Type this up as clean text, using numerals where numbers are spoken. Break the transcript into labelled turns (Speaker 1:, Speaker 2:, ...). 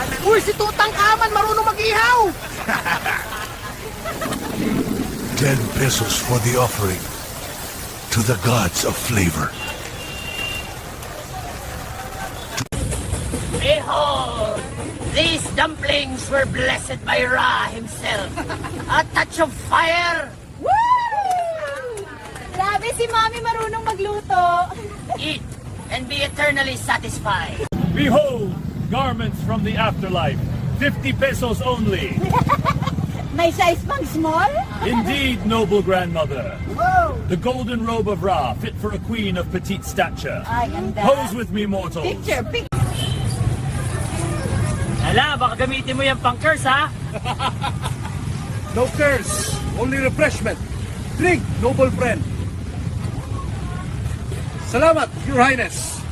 Speaker 1: Uy, si Tutankhamun marunong mag-ihaw!
Speaker 2: 10 pesos for the offering to the gods of flavor.
Speaker 3: Behold, these dumplings were blessed by Ra himself. A touch of fire.
Speaker 4: Woo! Grabe si Mami marunong magluto.
Speaker 3: Eat and be eternally satisfied.
Speaker 5: Behold, garments from the afterlife. 50 pesos only.
Speaker 4: May size pang small?
Speaker 5: Indeed, noble grandmother.
Speaker 4: Whoa!
Speaker 5: The golden robe of Ra, fit for a queen of petite stature.
Speaker 4: Ay, ganda.
Speaker 5: Pose with me, mortals.
Speaker 4: Picture.
Speaker 3: Hala, baka gamitin mo yan pang curse, ha?
Speaker 6: No curse, only refreshment. Drink, noble friend. Salamat, Your Highness.